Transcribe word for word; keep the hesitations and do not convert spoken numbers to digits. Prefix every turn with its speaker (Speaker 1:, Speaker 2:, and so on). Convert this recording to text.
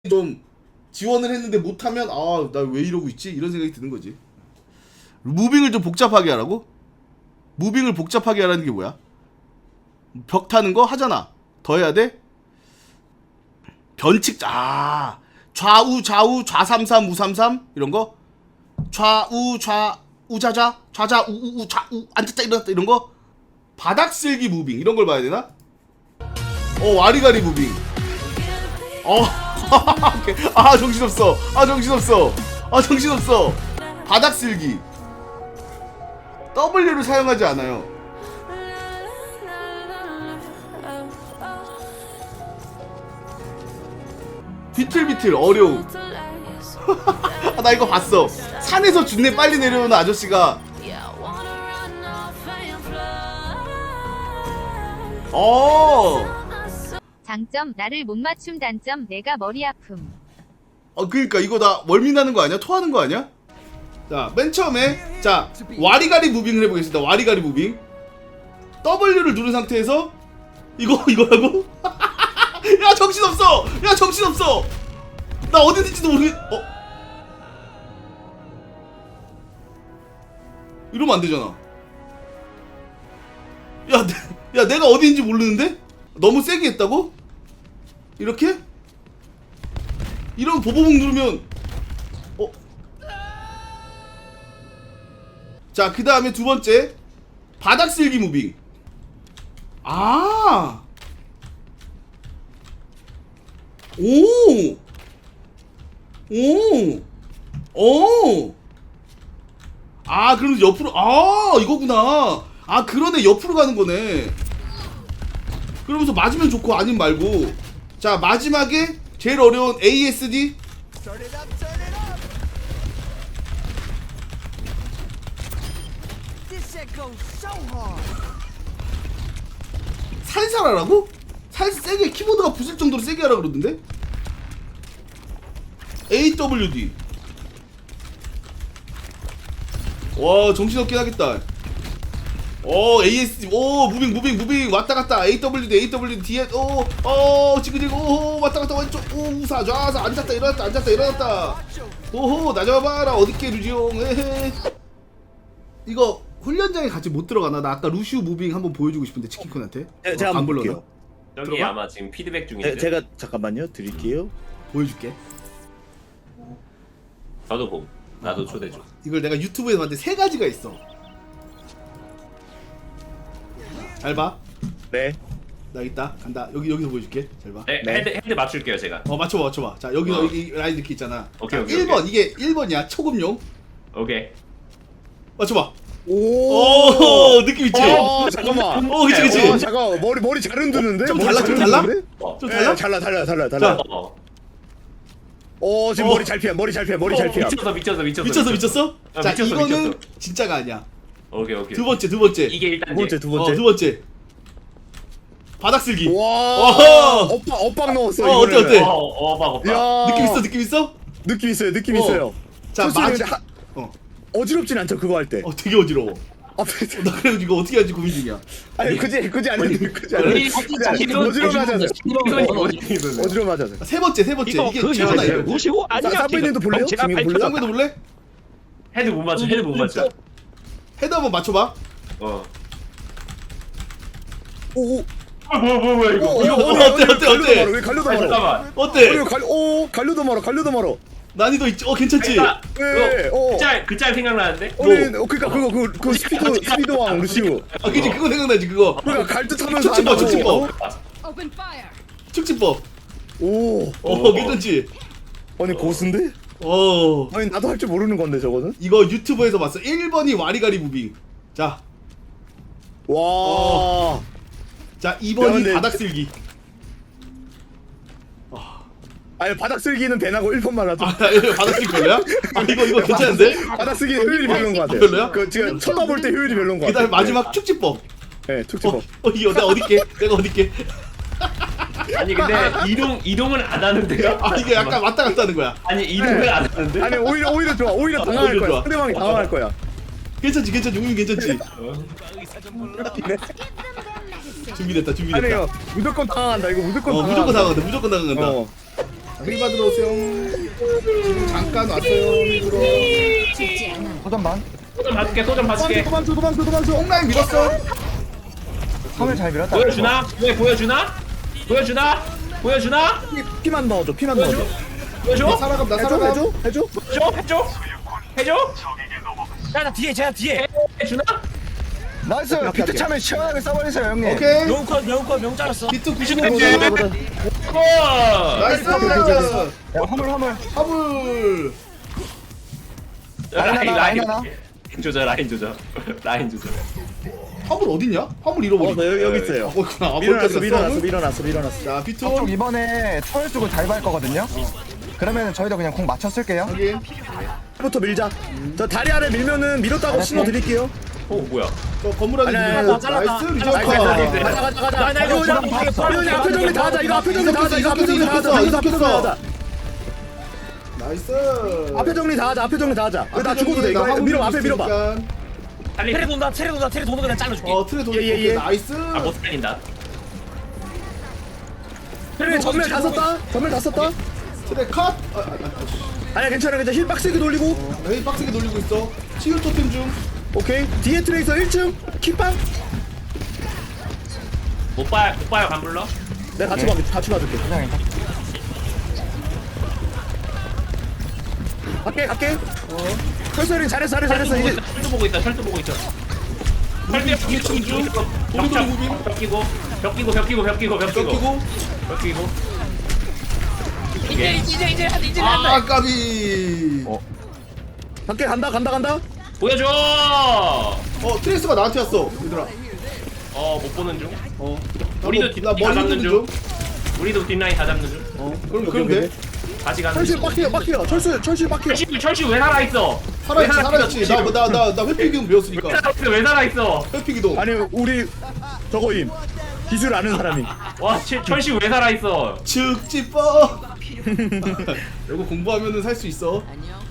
Speaker 1: 좀 지원을 했는데 못하면 아 나 왜 이러고 있지? 이런 생각이 드는 거지. 무빙을 좀 복잡하게 하라고? 무빙을 복잡하게 하라는 게 뭐야? 벽 타는 거 하잖아. 더 해야 돼? 변칙 아 좌우 좌우 좌삼삼 우삼삼 이런 거? 좌우 좌 우자자 좌자 우우우 좌우 앉았다 일어났다 이런 거? 바닥 쓸기 무빙 이런 걸 봐야 되나? 어 와리가리 무빙. 어 아 정신없어 아 정신없어 아 정신없어 바닥 쓸기 W를 사용하지 않아요. 비틀비틀 어려움. 아, 나 이거 봤어. 산에서 준내 빨리 내려오는 아저씨가 어
Speaker 2: 장점 나를 못 맞춤. 단점 내가 머리 아픔.
Speaker 1: 어 그니까 이거 다 멀미나는 거 아니야? 토하는 거 아니야? 자 맨 처음에 자 와리가리 무빙을 해보겠습니다. 와리가리 무빙 W를 누른 상태에서 이거 이거라고? 야 정신없어! 야 정신없어! 나 어디 있는지도 모르겠.. 어? 이러면 안 되잖아. 야, 내, 야 내가 어디 있는지 모르는데? 너무 세게 했다고? 이렇게? 이런 보보봉 누르면 어? 자, 그 다음에 두 번째 바닥 쓸기 무빙. 아, 오, 오, 오. 아, 그러면서 옆으로, 아, 이거구나. 아, 그러네. 옆으로 가는 거네. 그러면서 맞으면 좋고 아니면 말고. 자, 마지막에 제일 어려운 에이에스디. 살살 하라고? 살살 세게 키보드가 부술 정도로 세게 하라 그러던데? 에이더블유디. 와 정신없긴 하겠다. 오 에이에스디 오 무빙 무빙 무빙 왔다 갔다 에이더블유디 에이더블유디 뒤에 오어 지금 지금 오 왔다 갔다 왼쪽 오 우사 좌사 앉았다 일어났다 앉았다 일어났다 오호 나 잡아봐라 어딨게 루지용 에헤. 이거 훈련장에 같이 못 들어가나? 나 아까 루시우 무빙 한번 보여주고 싶은데 치킨쿤한테.
Speaker 3: 제, 제가
Speaker 1: 어, 안
Speaker 3: 한번
Speaker 1: 불러나?
Speaker 3: 볼게요.
Speaker 4: 저기
Speaker 1: 들어가?
Speaker 4: 아마 지금 피드백 중인데.
Speaker 3: 제, 제가 잠깐만요 드릴게요.
Speaker 1: 보여줄게.
Speaker 4: 저도 봄. 나도 초대 줘.
Speaker 1: 이걸 내가 유튜브에서 봤는데 세 가지가 있어. 잘 봐.
Speaker 3: 네.
Speaker 1: 나 있다. 간다. 여기 여기서 보여줄게. 잘 봐.
Speaker 4: 네,
Speaker 3: 네.
Speaker 4: 헤드 헤드 맞출게요 제가.
Speaker 1: 어 맞춰봐 맞춰봐. 자 여기
Speaker 4: 어.
Speaker 1: 여기 라인 이렇게 있잖아.
Speaker 4: 오케이,
Speaker 1: 자,
Speaker 4: 오케이,
Speaker 1: 일 번 이게 일 번이야. 초급용.
Speaker 4: 오케이.
Speaker 1: 맞춰봐.
Speaker 3: 오.
Speaker 1: 오 느낌 있지?
Speaker 3: 어 잠깐만.
Speaker 1: 어 그치 그치.
Speaker 3: 어 잠깐 머리 머리 잘 흔드는데?
Speaker 1: 좀
Speaker 3: 머리
Speaker 1: 달라,
Speaker 3: 잘
Speaker 1: 좀 달라?
Speaker 3: 흔드는데?
Speaker 4: 어.
Speaker 1: 좀
Speaker 3: 네,
Speaker 1: 달라?
Speaker 3: 달라 달라 달라 달라.
Speaker 1: 자.
Speaker 4: 어.
Speaker 3: 어 지금
Speaker 1: 어.
Speaker 3: 머리 잘 피해 머리 잘 피해 머리 잘 피해.
Speaker 4: 미쳤어 미쳤어 미쳤어.
Speaker 1: 미쳤어 미쳤어?
Speaker 4: 아,
Speaker 1: 자
Speaker 4: 미쳤어,
Speaker 1: 이거는
Speaker 4: 미쳤어.
Speaker 1: 진짜가 아니야.
Speaker 4: 오케이 오케이.
Speaker 1: 두 번째 두 번째.
Speaker 4: 이게 일단
Speaker 3: 두 번째 두
Speaker 1: 어
Speaker 3: 번째.
Speaker 1: 두 번째. 바닥 쓸기.
Speaker 3: 와.
Speaker 1: 어허.
Speaker 3: 엇박 엇박 넣었어.
Speaker 1: 어, 어때,
Speaker 3: 이번에는.
Speaker 1: 어때?
Speaker 4: 어, 어, 봐, 봐.
Speaker 3: 야.
Speaker 1: 느낌 있어 느낌 있어?
Speaker 3: 느낌 있어요 느낌
Speaker 1: 어.
Speaker 3: 있어요.
Speaker 1: 자
Speaker 3: 솔직히
Speaker 1: 마지.
Speaker 3: 근데 하-
Speaker 1: 어.
Speaker 3: 어지럽진 않죠 그거 할 때.
Speaker 1: 어 되게 어지러워.
Speaker 3: 아,
Speaker 1: 나 그래서 이거 어떻게 할지 고민 중이야.
Speaker 3: 아니 그지 그지 아니 그지
Speaker 1: 아니,
Speaker 3: 아니. 어지러움 하자. 어지러움 하자.
Speaker 1: 세 번째 세 번째
Speaker 5: 이거
Speaker 1: 이게
Speaker 5: 그
Speaker 1: 재현아
Speaker 5: 여자를
Speaker 1: 이거.
Speaker 5: 모시고 아니면
Speaker 3: 사부님도 볼래요?
Speaker 5: 제가
Speaker 3: 지금
Speaker 5: 발표
Speaker 3: 볼래요?
Speaker 1: 쌍배도 볼래?
Speaker 4: 헤드 못 맞춰. 헤드 못 맞춰.
Speaker 1: 헤드 한번 맞춰봐.
Speaker 4: 어.
Speaker 3: 오. 오.
Speaker 4: 아, 뭐야 뭐야 뭐야 이거.
Speaker 3: 어,
Speaker 1: 이거
Speaker 3: 어,
Speaker 1: 어때,
Speaker 3: 어,
Speaker 1: 어때, 어때,
Speaker 3: 갈려도
Speaker 1: 어때?
Speaker 3: 말어, 왜 갈려도
Speaker 4: 아,
Speaker 3: 말어?
Speaker 4: 잠깐만.
Speaker 1: 어때?
Speaker 3: 어, 이거 갈, 오, 갈려도 말어, 갈려도 말어.
Speaker 1: 난이도 있지. 어 괜찮지?
Speaker 4: 아,
Speaker 3: 네, 어.
Speaker 4: 그짤그짤 생각나는데?
Speaker 3: 어, 네, 어, 그니까 그거 그, 그 스피드 스피드 왕 루시우.
Speaker 1: 아 그치 그거 생각나지 그거.
Speaker 3: 그러니까 갈 듯하면서
Speaker 1: 축지법
Speaker 3: 한다고.
Speaker 1: 축지법
Speaker 2: Open fire.
Speaker 1: 축지법.
Speaker 3: 오,
Speaker 1: 어
Speaker 4: 어.
Speaker 1: 괜찮지?
Speaker 3: 아니 고수인데?
Speaker 1: 어
Speaker 3: 아니 나도 할 줄 모르는 건데 저거는.
Speaker 1: 이거 유튜브에서 봤어. 일 번이 와리가리 무빙. 자,
Speaker 3: 와,
Speaker 1: 자 이 번이
Speaker 3: 야, 근데-
Speaker 1: 바닥 쓸기.
Speaker 3: 아니 바닥 쓸기는 배나고 일 번만 하죠.
Speaker 1: 아 이거 바닥 쓸기 별로야? 아 이거 이거 괜찮은데?
Speaker 3: 바닥 쓸기 효율이 별로인 것 같아요.
Speaker 1: 별로야?
Speaker 3: 그 지금 쳐다볼 때 효율이 별로인 것
Speaker 1: 그다음에
Speaker 3: 같아요.
Speaker 1: 마지막 축지법.
Speaker 3: 네, 네
Speaker 1: 어,
Speaker 3: 특집법.
Speaker 1: 어 이거 내가 어딨게? 내가 어딨게?
Speaker 4: 아니 근데 이동 이동을 안 하는데요?
Speaker 1: 아 이게 약간 왔다 갔다 하는 거야.
Speaker 4: 아니 이동을
Speaker 3: 네.
Speaker 4: 안 하는데?
Speaker 3: 아니 오히려 오히려 좋아, 오히려 당황할
Speaker 1: 오히려
Speaker 3: 거야.
Speaker 1: 좋아.
Speaker 3: 상대방이 당황할 거야.
Speaker 1: 괜찮지 괜찮지 우민 괜찮지?
Speaker 3: 네.
Speaker 1: 준비됐다 준비됐다.
Speaker 3: 아니요, 무조건 당황한다. 이거 무조건
Speaker 1: 어
Speaker 3: 당황한다.
Speaker 1: 무조건 당한다 무조건 당한다.
Speaker 3: 어.
Speaker 1: 힐 받으러 오세요. 지금 잠깐 왔어요. 힐 들어.
Speaker 5: 소전 반.
Speaker 4: 소전 봐줄게 소전 봐줄게.
Speaker 3: 도망쳐 도망쳐 도망쳐.
Speaker 1: 홈라인 밀었어.
Speaker 5: 섬을 잘 밀었다.
Speaker 4: 보여주나? 왜 보여주나? 보여주나? 보여주나?
Speaker 3: 피, 피만 넣어줘 피만 넣어줘.
Speaker 1: 나
Speaker 4: 보여줘?
Speaker 1: 살아감 나
Speaker 3: 해줘
Speaker 1: 살아감.
Speaker 3: 해줘 해줘.
Speaker 4: 해줘? 해줘? 해줘?
Speaker 6: 야, 나 뒤에, 제가 뒤에.
Speaker 4: 해주나?
Speaker 5: 나이스. 비트 차면 시원하게 써버리세요 형님.
Speaker 1: 오케이.
Speaker 6: 명컷, 명컷, 명 잘랐어.
Speaker 1: 비트 구십오.
Speaker 4: 오케이. 컷!
Speaker 1: 나이스.
Speaker 5: 야 화물 화물.
Speaker 1: 화물.
Speaker 5: 라인 하나, 라인 하나.
Speaker 4: 라인 조져 라인 조져 라인 조져.
Speaker 1: 화물 어딨냐? 화물 잃어버리.
Speaker 3: 어저 여기 여기 있어요.
Speaker 1: 어, 있구나. 아,
Speaker 3: 밀어놨어
Speaker 1: 거기까지
Speaker 3: 밀어놨어
Speaker 1: 갔어?
Speaker 3: 밀어놨어 밀어놨어.
Speaker 1: 자, 비트.
Speaker 5: 저쪽 이번에 초월 쓰고 달발 거거든요. 그러면 저희도 그냥 공 맞춰 쓸게요.
Speaker 1: 확인.
Speaker 3: 부터 밀자. 저 다리 아래 밀면은 밀었다고 신호 드릴게요.
Speaker 4: 어 뭐야?
Speaker 1: 저 건물 안에
Speaker 3: 아니, 아니,
Speaker 1: 들어가고.
Speaker 3: 아니,
Speaker 6: 잘랐다.
Speaker 1: 나이스
Speaker 3: 나이스,
Speaker 1: 리저커.
Speaker 3: 나이스, 나이스. 가자 가자 가자.
Speaker 6: 나, 나 이거
Speaker 3: 이거
Speaker 6: 주방 박았어.
Speaker 3: 이거 앞에 정리 다 하자. 이거 앞에 정리 다 하자. 이거 앞에 정리 다 하자. 이거 앞에 정리 다 하자.
Speaker 1: 나이스.
Speaker 3: 앞에 정리 다 하자. 앞에 정리 다 하자.
Speaker 1: 앞에
Speaker 3: 나 죽어도 돼.
Speaker 1: 나
Speaker 3: 이거
Speaker 1: 화물
Speaker 3: 밀어 앞에 밀어봐.
Speaker 1: 있으니까.
Speaker 4: 살리.
Speaker 6: 테레 돈다, 테레 돈다, 테레 돈다 그냥 잘라줄게.
Speaker 1: 어 트레 돌.
Speaker 3: 예, 예, 예.
Speaker 1: 나이스.
Speaker 4: 아못 살린다.
Speaker 3: 그래 전멸 다 썼다. 전멸 다 썼다.
Speaker 1: 트레 컷. 아, 아, 아,
Speaker 3: 아니야 괜찮아 괜찮아. 힐 빡세게 돌리고.
Speaker 1: 어, 나 빡세게 돌리고 있어. 치유 토템 중.
Speaker 3: 오케이. 뒤에 트레이서 일 층. 킥방.
Speaker 4: 못 봐요 못 봐요 간 불러.
Speaker 3: 내가 같이 봐 같이 봐줄게.
Speaker 5: 그냥 일단.
Speaker 3: 갈게 갈게. 어. 철수린 잘했어 잘했어 잘했어 이제.
Speaker 4: 철도 보고 있다 철도 보고 있어. 철도
Speaker 1: 뒤에 층 중.
Speaker 4: 벽
Speaker 1: 무빙.
Speaker 4: 벽 끼고 벽 끼고 벽 끼고 벽 끼고 벽 끼고
Speaker 1: 꺾이고.
Speaker 4: 벽 끼고.
Speaker 6: 이제, 이제, 이제, 한, 이제 한다.
Speaker 1: 아 까비.
Speaker 5: 어.
Speaker 3: 갈게 간다 간다 간다.
Speaker 4: 보여줘.
Speaker 1: 어 트레이스가 나한테 왔어. 얘들아.
Speaker 4: 어못 보는 중.
Speaker 1: 어.
Speaker 4: 우리도
Speaker 1: 나,
Speaker 4: 뒷-
Speaker 1: 나
Speaker 4: 다
Speaker 1: 머리
Speaker 4: 잡는
Speaker 1: 흔드는
Speaker 4: 중.
Speaker 1: 중.
Speaker 4: 우리도 뒷라인 다 잡는 중.
Speaker 1: 어. 그럼
Speaker 3: 오케이,
Speaker 1: 그럼
Speaker 3: 오케이.
Speaker 1: 돼.
Speaker 4: 같이 가는
Speaker 3: 철수
Speaker 4: 중.
Speaker 3: 빡해요 빡해요. 철수 철수 빡해요.
Speaker 4: 철시 철시 왜 살아 있어?
Speaker 1: 살아있지 살아있지. 나나나나 회피기동 배웠으니까.
Speaker 4: 왜 살아 있어? 왜 살아 있어?
Speaker 1: 회피기동.
Speaker 3: 아니 우리 저거임. 기술 아는 사람이.
Speaker 4: 와 철- 철시 왜 살아 있어?
Speaker 1: 즉지법. 이거 공부하면은 살 수 있어.